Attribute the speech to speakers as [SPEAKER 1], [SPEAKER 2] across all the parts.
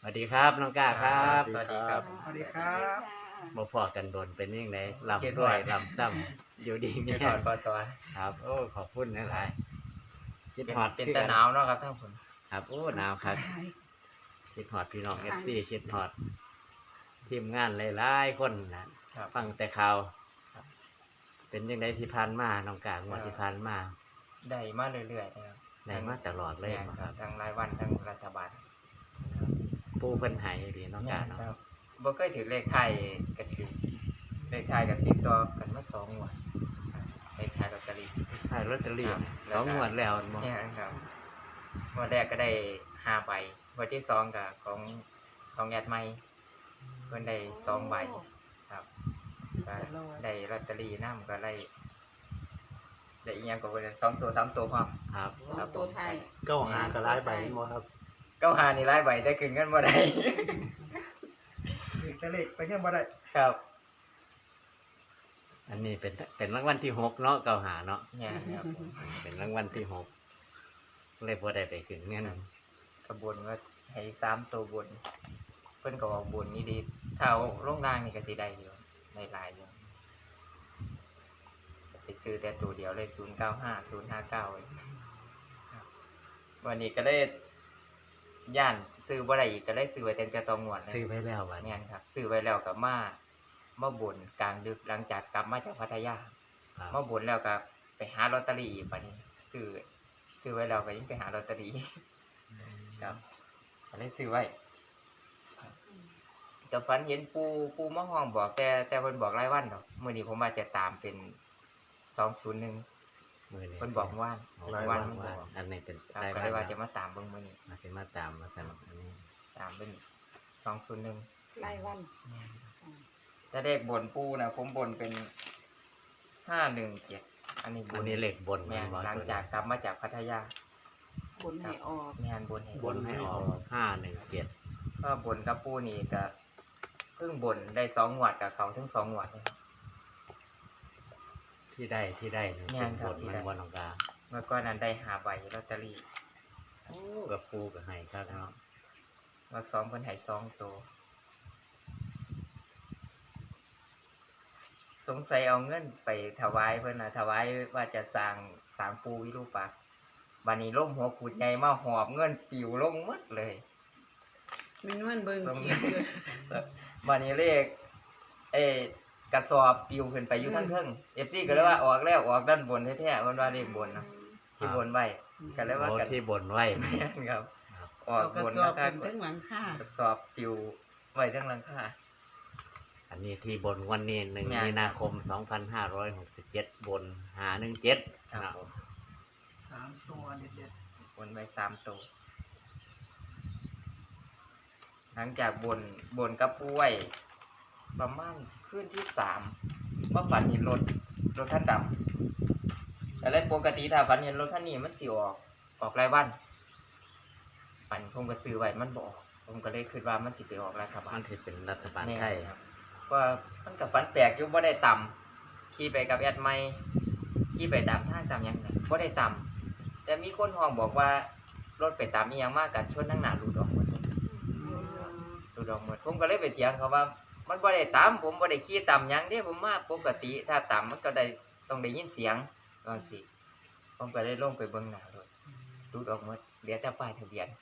[SPEAKER 1] วัสดีครับน้องก้าครับ
[SPEAKER 2] สวัสดีครับ
[SPEAKER 3] สวัสดีครับ
[SPEAKER 1] มาพอกันโดนเป็นยังไงลำด้วยลำซ้ำอยู่ดีมี
[SPEAKER 2] เดี๋ยวถอดปอสว
[SPEAKER 1] ครับโอ้ขอบคุณหลายๆคิดฮอด
[SPEAKER 2] เป็น
[SPEAKER 1] คือ
[SPEAKER 2] ตะ
[SPEAKER 1] กั
[SPEAKER 2] หนาวเนาะครับท่านผู้ชม
[SPEAKER 1] ครับโอ้หนาวครับคิดฮอดพี่น้องFCคิดฮอดทีมงานหลายๆคนนะครับ ฟังแต่ข่าวเป็นยังไงที่ผ่านมาน้องก้างวดที่ผ่านมา
[SPEAKER 2] ได้มาเรื่อยๆนะครับ
[SPEAKER 1] ได้มาตลอดเลย
[SPEAKER 2] แม่น
[SPEAKER 1] ครับ
[SPEAKER 2] ทั้งรายวันทั้งรัฐบาล
[SPEAKER 1] ปูเพิ่นใหายดีน้องก้าเนาะ
[SPEAKER 2] ครับบ่เคยถือเลขไทยก็ถือเลขไทยกับติดต่อกันมา2 งวดเลขไทยลอตเตอรี่
[SPEAKER 1] ขายลอตเตอรี่
[SPEAKER 2] ครับ
[SPEAKER 1] สองงวดแล้วบ่
[SPEAKER 2] เนี่ยครับงวดแรกก็ได้5 ใบงวดที่2ก็ของแอดใหม่เพิ่นได้2 ใบครับก็ได้ลอตเตอรี่นำก็ได้อีหยังก็เพิ่น2 ตัว3 ตัวพร้อม
[SPEAKER 1] ครับ
[SPEAKER 2] ครับ
[SPEAKER 4] ตัวไทย
[SPEAKER 3] เก้าหากระไรใบบ่ครับ
[SPEAKER 2] 9 5นี่หลายใบแต่ขึ้นเงินบ่ได้
[SPEAKER 3] ถึงจะเลขไปเงี้ยบ่ได้
[SPEAKER 2] ครับ
[SPEAKER 1] อันนี้เป็นรางวัลที่6เนาะเก่าหาเนาะ
[SPEAKER 2] เนี่ยครับผม
[SPEAKER 1] เป็นรางวัลที่6เลยบ่ได้ไปขึ้นเงิน
[SPEAKER 2] กระบวนว่าให้3 ตัวบนเพิ่นก็บอกบนนี่ดีถ้าเอาลงล่างนี่ก็สิได้อยู่ในหลายอยู่ไปซื้อแต่ตัวเดียวเลย095 059ครับวันนี้ก็เลยย่านซื้อบ่ได้อีกก็เลยซื้อไว้ตั้งแต่ตองงวดเลย
[SPEAKER 1] ซื้อไว้แล้วบัด
[SPEAKER 2] เนี่ยครับซื้อไว้แล้วก็มาบ่นกลางดึกหลังจากกลับมาจากพัทยา
[SPEAKER 1] ครับ
[SPEAKER 2] มาบ่นแล้วก็ไปหาลอตเตอรี่อีกบัดนี้ซื้อไว้แล้วก็ยังไปหาลอตเตอรี่ ครับก็เลยซื้อไว้แต่ฝันเห็นปูมะฮองบอกแต่เพิ่นบอกรายวันดอกมื้อนี้ผมว่าจะตามเป็น201
[SPEAKER 1] มื้อนี้
[SPEAKER 2] เพิ่นบอกว่าน
[SPEAKER 1] ราย
[SPEAKER 2] วั
[SPEAKER 1] วัน น
[SPEAKER 2] มันบอก
[SPEAKER 1] อันนี้เป็น
[SPEAKER 2] ครับ
[SPEAKER 1] ราย
[SPEAKER 2] ก็
[SPEAKER 1] วั
[SPEAKER 2] เลยว่าจะ
[SPEAKER 1] น
[SPEAKER 2] มาตามเบิ่งมื้อนี้
[SPEAKER 1] มาสิมาตามมาสนุกอันนี้
[SPEAKER 2] ตามเป็น201
[SPEAKER 4] รายวัน
[SPEAKER 2] ถ้าเลขบนปูนะผมบนเป็น517อันนี้บ
[SPEAKER 1] อัน
[SPEAKER 2] น
[SPEAKER 1] นี้เลขบน
[SPEAKER 2] แม่น
[SPEAKER 1] บ่
[SPEAKER 2] หลังจากกลับมาจากพัทยา
[SPEAKER 4] ผลให้ออก
[SPEAKER 2] แม่นบนให้
[SPEAKER 1] บนให้ออก517
[SPEAKER 2] ก็บนกับปูนี่ก็เพิ่งบนได้2 งวดกับเขาถึง2 งวดเลย
[SPEAKER 1] ที่ได้นี่
[SPEAKER 2] งา
[SPEAKER 1] เป็น น
[SPEAKER 2] ครับ
[SPEAKER 1] บน
[SPEAKER 2] ที่
[SPEAKER 1] มัน
[SPEAKER 2] ได้
[SPEAKER 1] บ่น้องกา
[SPEAKER 2] เมื่อก่อนนั้นได้5 ใบลอตเตอรี่
[SPEAKER 1] โอ้กับปูกับให้ครับเนาะ
[SPEAKER 2] ว่าซ้อมเพิ่นให้2 ตัวสงสัยเอาเงินไปถวายเพิ่นน่ะถวายว่าจะสร้างปูวิรูปักษ์บัดนี้ล่มหัวกุดใหญ่มาหอบเงินปิวลงหมดเลย
[SPEAKER 4] มีนวลเบิ่ง
[SPEAKER 2] ส่ง
[SPEAKER 4] คลิปอยู่
[SPEAKER 2] บัดนี้เลขกระสอบปิวขึ้นไปอยู่ทั้งเทิง FC ก็เลยว่าออกแล้วออกด้านบนแท้ๆมันว่าเลขบนนะที่บนไว้ก็เลยว่า
[SPEAKER 1] โอ้
[SPEAKER 2] กัน
[SPEAKER 1] ที่บนไว้
[SPEAKER 2] แม่นครับออ
[SPEAKER 4] เอา
[SPEAKER 2] ก
[SPEAKER 4] กระ
[SPEAKER 2] บน
[SPEAKER 4] สอบ
[SPEAKER 2] นะครั
[SPEAKER 4] เป็นทั้งหลังค่าก
[SPEAKER 2] ระสอบปิวไว้ทั้งหลังคา
[SPEAKER 1] อันนี้ที่บนวันนี้1
[SPEAKER 2] แม่น
[SPEAKER 1] มีนาคม 2567บน517
[SPEAKER 2] ครับผม
[SPEAKER 3] 3 ตัวเด็ด
[SPEAKER 2] บนไว้3 ตัวหลังจากบนกับป่วยประมาณคืนที่3ว่าฝันเห็นรถท่านดำแต่แล้วปกติถ้าฝันเห็นรถท่านนี้มันสิออกรายวันฝันผมก็ซื้อไว้มันบ่ออกผมก็เลยคิดว่ามันสิไปออกรัฐบา
[SPEAKER 1] มั
[SPEAKER 2] ล
[SPEAKER 1] นสิเป็นรัฐบาลไทย
[SPEAKER 2] แน่ครับว่ามันกับฝันแปลกอยู่บ่ได้ต่ำขี่ไปกับแอดไม่ขี่ไปตามทางตามหยังน่ะบ่ได้ต่ำแต่มีคนห้องบอกว่ารถไปตามอีหยังมากกันชนทั้งหน้ารูดออกหมดรูดออกหมดผมก็เลยไปเถียงเขาว่า มันบ่ได้ต่ำผมบ่ได้ขี่ต่ำหยังเด้ผมมาปกติถ้าต่ำมันก็ได้ต้องได้ยินเสียงว่าสิผมก็เลยลงไปเบิ่งหน้ารถรูดออกหมดเหลือแต่ป้ายทะเบียน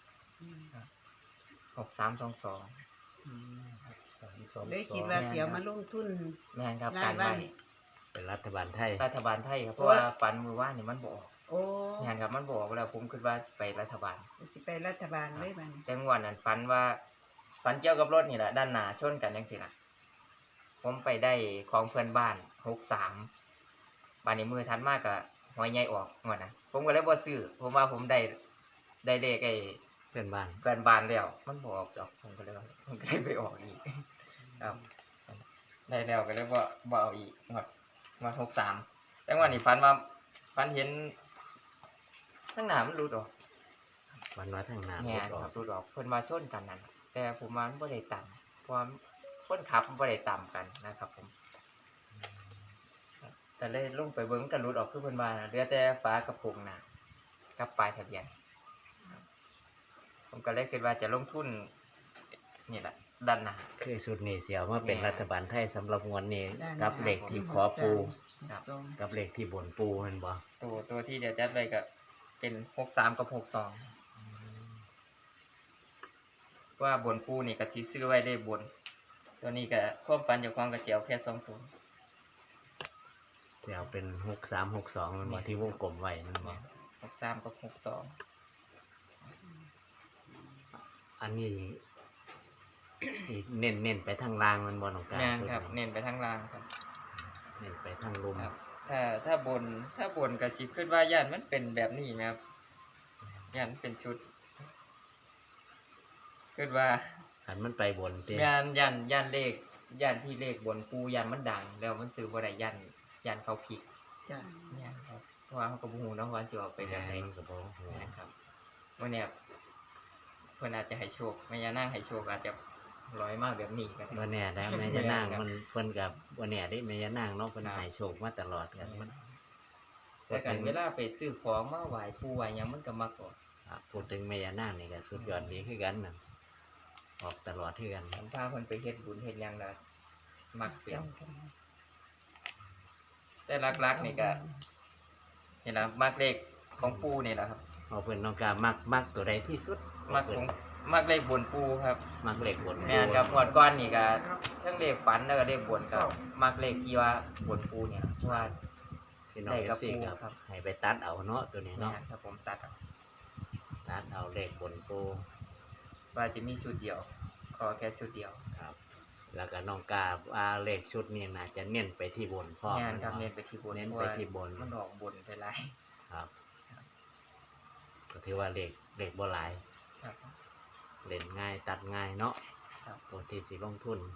[SPEAKER 2] 6322
[SPEAKER 4] เลยคิดว่าเสียมาลงทุน
[SPEAKER 2] แม่นครับ
[SPEAKER 4] รา
[SPEAKER 2] การ
[SPEAKER 4] ยวั
[SPEAKER 2] ไว้
[SPEAKER 4] น
[SPEAKER 1] เป็นรัฐบาลไทย
[SPEAKER 2] รัฐบาลไทยครับเพราะว่าฝันมือว่านนี่มันบออก
[SPEAKER 4] โอ้
[SPEAKER 2] งานครับมันบออกแล้วผมคิดว่าสิไปรัฐบาล
[SPEAKER 4] สิไปรัฐบาลเลยบัดนี้
[SPEAKER 2] แต่งวดนั้นฝันเกี่ยวกับรถนี่แหละด้านหน้าชนกันจังซี่ล่ะผมไปได้ของเพื่อนบ้าน63บ้านนี้มือทันมากก็หอยใหญ่ออกงวดนะผมก็เลยบ่ซื้อผมว่าผมได้เลข
[SPEAKER 1] เพื่อนบ้าน
[SPEAKER 2] เพื่อนบ้านแล้วมันบ่ออกดอกผมก็เลยไปออกอีกครับได้แล้วก็เลยบ่เอาอีกงวด63แต่งวดนี้ฝันเห็นข้างหน้ามันหลุดออก
[SPEAKER 1] วันน้อยทางน้ำ
[SPEAKER 2] แม่น
[SPEAKER 1] รถอ
[SPEAKER 2] ค
[SPEAKER 1] อ
[SPEAKER 2] รั
[SPEAKER 1] ก
[SPEAKER 2] บหลุดออกเพิ่นมาชนกันนั่นแต่ผมว่ามันบ่ได้ต่ำเพราะว่าคนขับมันบ่ได้ต่ำกันนะครับผมแต่เลยลงไปเบิ่งกันหลุดออกคือเพิ่นว่าน่ะเหลือแต่ฝากระโปรงหน้ากับปลายทะเบียนครับผมก็เลยคิดว่าจะลงทุนนี่แหละด้านหน้า
[SPEAKER 1] คือชุดนี้เสียวมาเป็น
[SPEAKER 2] แม่
[SPEAKER 1] รัฐบาลไทยสำหรับงวดนี้
[SPEAKER 4] ด้านหน้า
[SPEAKER 1] กับเลขที่ขอปู
[SPEAKER 2] ครับ
[SPEAKER 4] สอง
[SPEAKER 1] กับเลขที่บนปูแมันบ่
[SPEAKER 2] ตัวที่เดี๋ยวจัดไว้ก็เป็น63กับ62ว่าบนปูนี่ก็สิซื้อไว้ได้บน ตัวนี้ก็ความฝันเจ้าของก็สิเอาแค่2ตัว
[SPEAKER 1] เสียวเป็น6362มันบ่ที่วงกลมไว้แมันบ่
[SPEAKER 2] 63กับ62
[SPEAKER 1] อันนี้ สิเน้นไปทางล่างมันบ่น้องกา
[SPEAKER 2] แม่นครับ
[SPEAKER 1] ชุด
[SPEAKER 2] เน้นไปทางล่างครับ
[SPEAKER 1] เน้นไปทางลุม
[SPEAKER 2] ครับ ถ้าบนก็สิคิดว่าย่านมันเป็นแบบนี้ไหมครับย่านเป็นชุดคิดว่า
[SPEAKER 1] คันมันไปบนติ
[SPEAKER 2] ย่านเลขย่านที่เลขบนปูย่านมันดัง แล้วมันซื้อบ่ได้ย่านเขาผิด
[SPEAKER 4] จ้ะ
[SPEAKER 2] ย่านครับเพราะว่าเขาก็บ่ฮู้เนาะว่าสิออกไปแบบไหน
[SPEAKER 1] มันก็บ่ฮู้
[SPEAKER 2] นะครับวันเนี้ยเพิ่นอาจจะให้โชคแม่ย่านางให้โชคอาจจะร้อยมากแบบนี้ก็
[SPEAKER 1] บ่
[SPEAKER 2] ได้
[SPEAKER 1] แน่ได้แม่ยานาง
[SPEAKER 2] ครับ
[SPEAKER 1] มันเพิ่นก็บ่แน่เด้แม่ยานางเนาะเพิ่น
[SPEAKER 2] ครับ
[SPEAKER 1] ให้โชคมาตลอดกันมัน
[SPEAKER 2] แต่กันเวลาไปซื้อของมาไหว้ปู่ไหว้หยังมันก็มักออก
[SPEAKER 1] พูดถึงแม่ยานางนี่ก็สุดยอดดีคือกันน่ะออกตลอดคือกัน
[SPEAKER 2] สัมภาเพิ่นไปเฮ็ดบุญเฮ็ดหยังล่ะมักเปลี่ยนแต่หลักๆนี่ก็นี่ล่ะมักเลขของปู่นี่แหละครับ
[SPEAKER 1] เอาเพิ่นน้องกามักตัวใดที่สุด
[SPEAKER 2] มักของมักเลขบนปู่ครับ
[SPEAKER 1] มักเลขบน
[SPEAKER 2] แม่นครับงวดก่อนนี่ก็เทั้งเลขฝันแล้วก็เลขบนก็มักเลขที่ว่าบนปู่เนี่ยเพราะว่า
[SPEAKER 1] พี่น้อง
[SPEAKER 2] ได้กับ
[SPEAKER 1] FC
[SPEAKER 2] ปู
[SPEAKER 1] ครับ
[SPEAKER 2] ครับ
[SPEAKER 1] ให้ไปตัดเอาเนาะตัวนี้
[SPEAKER 2] แม่
[SPEAKER 1] เนาะ
[SPEAKER 2] นครับผมตัดเอา
[SPEAKER 1] ตัดเอาเลขบนปู
[SPEAKER 2] ว่าจะมีชุดเดียวขอแค่ชุดเดียว
[SPEAKER 1] ครับ แล้วก็น้องกาว่าเลขชุดนี้น่าจะเน้นไปที่บนพร้อม
[SPEAKER 2] แม่นครับ
[SPEAKER 1] าะ
[SPEAKER 2] เน้นไปที่บน
[SPEAKER 1] เน้น
[SPEAKER 2] เพราะ
[SPEAKER 1] ไป
[SPEAKER 2] ว่า
[SPEAKER 1] ที่บน
[SPEAKER 2] มันออกบนไปหลาย
[SPEAKER 1] ครับก็ถือว่าเลขบ่หลาย
[SPEAKER 2] ครับ
[SPEAKER 1] เล่นง่ายตัดง่ายเนาะ
[SPEAKER 2] ครับ
[SPEAKER 1] ตัวที่สิลงทุน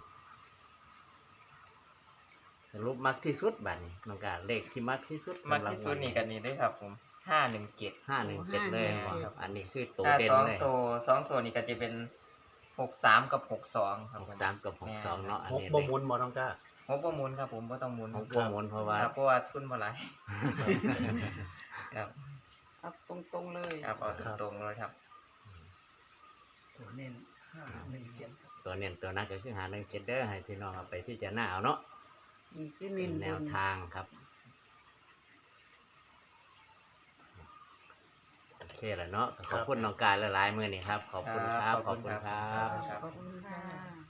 [SPEAKER 1] สรุปมักที่สุดบัดนี้น้องกาเลขที่มักที่สุด
[SPEAKER 2] มักที่สุดนี่กันนี่เลยครับผม517
[SPEAKER 1] 517เลยครับอันนี้คือตัว
[SPEAKER 2] ถ้า
[SPEAKER 1] เด่น
[SPEAKER 2] สอง
[SPEAKER 1] เลย
[SPEAKER 2] ตัวสองตัวนี่ก็จะเป็น63กับ62ครับผม
[SPEAKER 1] 63กับ62เนาะอัน
[SPEAKER 3] หก
[SPEAKER 1] นี้
[SPEAKER 3] บ่หมุนบ่ต้องกล้า
[SPEAKER 2] ผมบ่หมุนครับผมบ่ต้องหมุน
[SPEAKER 1] ของพวกมนเพราะว่า
[SPEAKER 2] ครับเพราะว่าทุนบ่หลายครับ
[SPEAKER 4] เอาตรงๆเลย
[SPEAKER 2] ครับเอาตรงๆเลยครับ
[SPEAKER 3] ตัวเน้น517
[SPEAKER 1] ตัวเน้นตัวนั้นก็คือ517เด้อให้พี่น้องเอาไปพิจารณาเอาเนาะ
[SPEAKER 4] นี่คือ
[SPEAKER 1] เป็
[SPEAKER 4] เน้น
[SPEAKER 1] นแนว
[SPEAKER 4] บน
[SPEAKER 1] ทางครับโอเคแล้วเนาะขอบคุณน้องกายหลายๆมื้อนี้ครับ ขอบคุณครับ ขอบคุณครับ
[SPEAKER 2] ครับ
[SPEAKER 4] ขอบคุณค่ะ